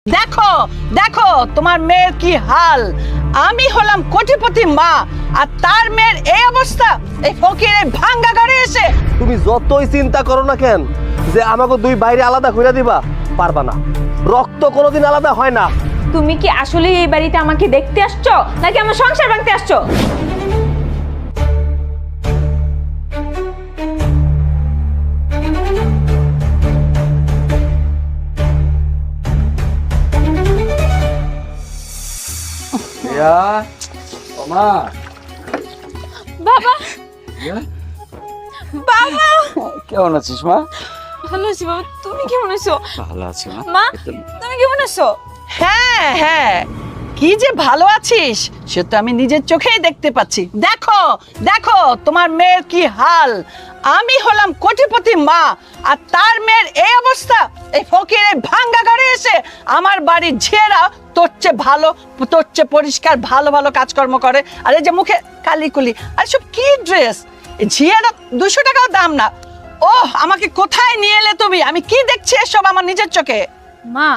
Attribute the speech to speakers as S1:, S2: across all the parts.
S1: দেখো দেখো তোমার মেয়ের কি হাল। আমি হলাম কোটিপতি মা, আর তার মেয়ের এই অবস্থা। এই ফকিরের ভাঙ্গা ঘরে এসে
S2: তুমি যতই চিন্তা করো না কেন যে আমাকে দুই বাইরে আলাদা কইরা দিবা, পারবা না। রক্ত কোনোদিন আলাদা হয় না।
S3: তুমি কি আসলে এই বাড়িতে আমাকে দেখতে আসছো নাকি আমার সংসার ভাঙতে আসছো? বাবা বাবা
S4: কেমন আছিস মা?
S3: ভালো আছি বাবা, তুমি কেমন আছো?
S4: ভালো আছি মা।
S3: মা তুমি কেমন আছো?
S1: হ্যাঁ হ্যাঁ, কি যে ভালো আছিস সে তো আমি নিজের চোখেই দেখতে পাচ্ছি। দেখো দেখো তোমার মেয়ের কি হাল। আমি হলাম কোটিপতি মা, আর তার মেয়ের এই অবস্থা। এই ফকিরের ভাঙ্গা ঘরে এসে আমার বাড়ির ঝিয়েরা তোর চেয়ে ভালো, তোর চেয়ে পরিষ্কার ভালো ভালো কাজকর্ম করে। আর এই যে মুখে কালিকুলি, আর সব কি ড্রেস। ঝিয়েরা 200 টাকাও দাম না। ওহ, আমাকে কোথায় নিয়ে এলে তুমি? আমি কি দেখছি এসব আমার নিজের চোখে।
S3: মা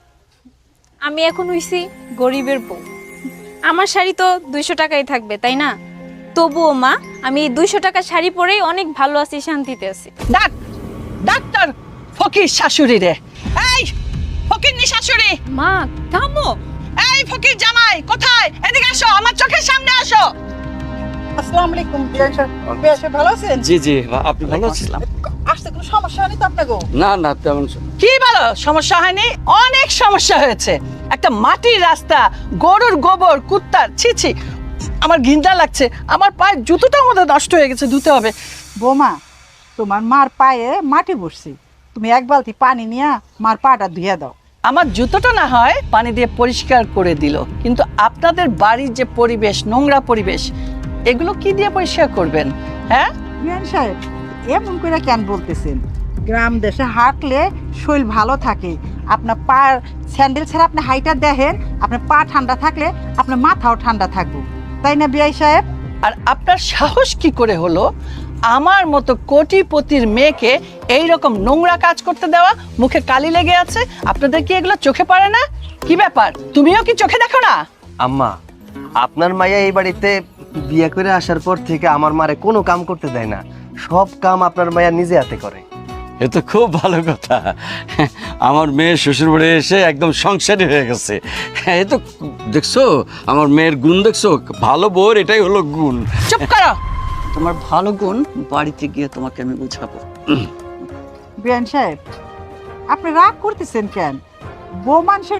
S3: আমি এখন হইছি গরিবের বউ, আমার শাড়ি তো 200 টাকাই থাকবে তাই না? তবুও মা আমি এই 200 টাকা শাড়ি পরেই অনেক ভালো আছি, শান্তিতে আছি।
S1: ডাক্তার ফকির শাশুড়ি রে। এই ফকিরনি শাশুড়ি,
S3: মা থামো।
S1: এই ফকির জামাই কোথায়? এদিকে আসো, আমার চোখের সামনে আসো।
S5: আসসালামু আলাইকুম। বেশ ভালো আছেন?
S4: জি জি, আপনি ভালো আছেন?
S5: আসতে কোনো সমস্যা হয়নি তো আপনাকে?
S4: না না, তেমন
S1: কি বলো সমস্যা হয়নি? অনেক সমস্যা হয়েছে। একটা মাটির রাস্তা, গরুর গোবর, কুত্তার ছিছি, আমার ঘিন্না লাগছে। আমার পায়ের জুতোটা আমাদের নষ্ট হয়ে গেছে, ধুতে হবে।
S5: বৌমা, তোমার মার পায়ে মাটি বসছে, তুমি এক বালতি পানি নিয়ে মার পাটা ধুয়ে দাও।
S1: আমার জুতোটা না হয় পানি দিয়ে পরিষ্কার করে দিল, কিন্তু আপনাদের বাড়ির যে পরিবেশ, নোংরা পরিবেশ, এগুলো কি দিয়ে পরিষ্কার করবেন? হ্যাঁ
S5: বিয়ান সাহেব, এমন করে কেন বলতেছেন? গ্রাম দেশে হাঁটলে শরীর ভালো থাকে। আপনার পা স্যান্ডেল ছাড়া আপনি হাইটা দেখেন, আপনার পা ঠান্ডা থাকলে আপনার মাথাও ঠান্ডা থাকবে, তাই না বিয়াই সাহেব?
S1: আর আপনার সাহস কি করে হলো আমার মতো কোটিপতির মেয়েকে এই রকম নোংরা কাজ করতে দেওয়া? মুখে কালি লেগে আছে, আপনাদের কি এগুলো চোখে পড়ে না? কি ব্যাপার, তুমিও কি চোখে দেখো না?
S2: আম্মা, আপনার মাইয়া এই বাড়িতে বিয়ে করে আসার পর থেকে আমার মারে কোনো কাম করতে দেয় না। সব কাম আপনার মাইয়া নিজে হাতে করে।
S4: এ তো খুব ভালো কথা। আমার মেয়ে শ্বশুর বাড়ি এসে একদম সংসারী হয়ে গেছে। এ তো দেখছো আমার মেয়ের গুণ, দেখছো? ভালো বউর এটাই হলো গুণ।
S1: চুপ করো, তোমার ভালো গুণ বাড়িতে গিয়ে তোমাকে আমি বুঝাবো।
S5: বিয়ান সাহেব, আপনি রাগ করতেছেন কেন? বউ মানুষের